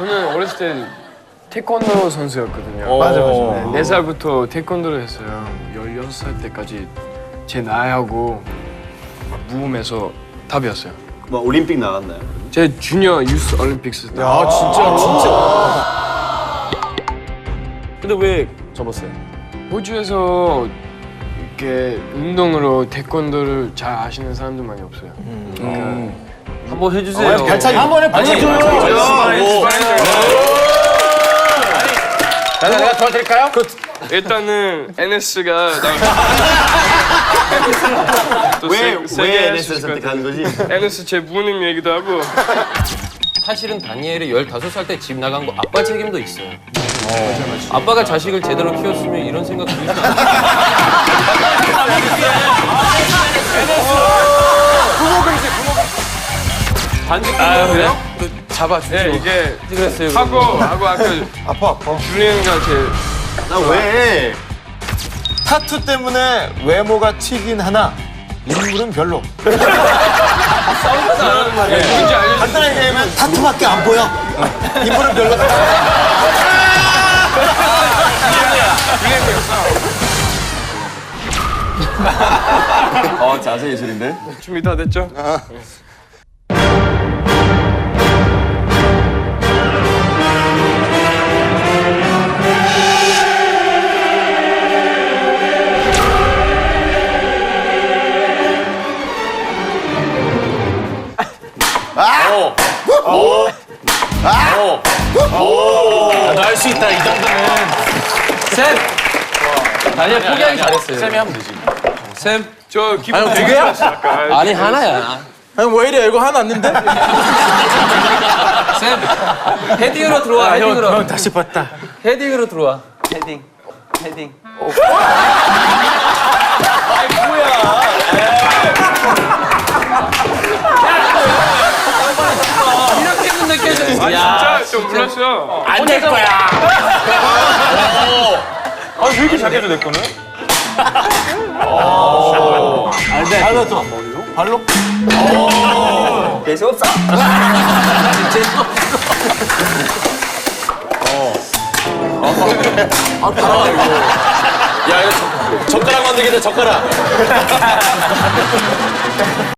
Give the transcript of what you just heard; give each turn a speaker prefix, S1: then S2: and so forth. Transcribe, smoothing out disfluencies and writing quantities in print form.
S1: 저는 어렸을 때 태권도 선수였거든요.
S2: 맞아.
S1: 네, 4살부터 태권도를 했어요. 16살 때까지 제 나이하고 무음에서 답이었어요.
S3: 뭐 올림픽 나갔나요?
S1: 제 주니어 유스 올림픽스 때.
S2: 근데 왜 접었어요?
S1: 호주에서 이렇게 운동으로 태권도를 잘 아시는 사람들 많이 없어요.
S4: 한번 해주세요.
S2: 발차기 한번 해봐요. 내가 도와드릴까요?
S1: 일단은 NS가
S3: 왜 NS를 선택하는 거지?
S1: NS 제 부모님 얘기도 하고.
S4: 사실은 다니엘이 15살 때 집 나간 거 아빠 책임도 있어요. 아빠가 자식을 제대로 키웠으면 이런 생각 들지 않아요. 반지 끊어요? 잡아주죠.
S1: 네, 이게
S4: 그랬어요.
S1: 하고 아까
S2: 아파.
S1: 줄리언이가 제
S3: 나 왜?
S2: 타투 때문에 외모가 튀긴 하나 인물은 별로.
S1: 누군지 알려주세요.
S2: 간단하게 얘기하면 타투밖에 안 보여. 인물은 별로다.
S3: 자세 예술인데?
S1: 준비 다 됐죠?
S2: 할 수 있다 이 정도는.
S4: 쌤! 다니엘 포기하기 잘했어요.
S2: 쌤이 하면 되지.
S4: 쌤!
S1: 저 기분
S2: 두 개야?
S4: 아니, 하나야.
S2: 아니 왜 이래 이거 하나 왔는데?
S4: 쌤! 헤딩으로 들어와, 헤딩으로.
S2: 형 다시 봤다.
S4: 헤딩으로 들어와.
S5: 헤딩.
S4: 이렇게 했는데 깨져.
S1: 진짜 좀 몰랐어요.
S2: 안 될 거야. 아니 왜 이렇게 잘 깨져 내 거는? 발로 또 발로?
S5: 재수 없어.
S2: 야 이거 젓가락 만들게 돼 젓가락.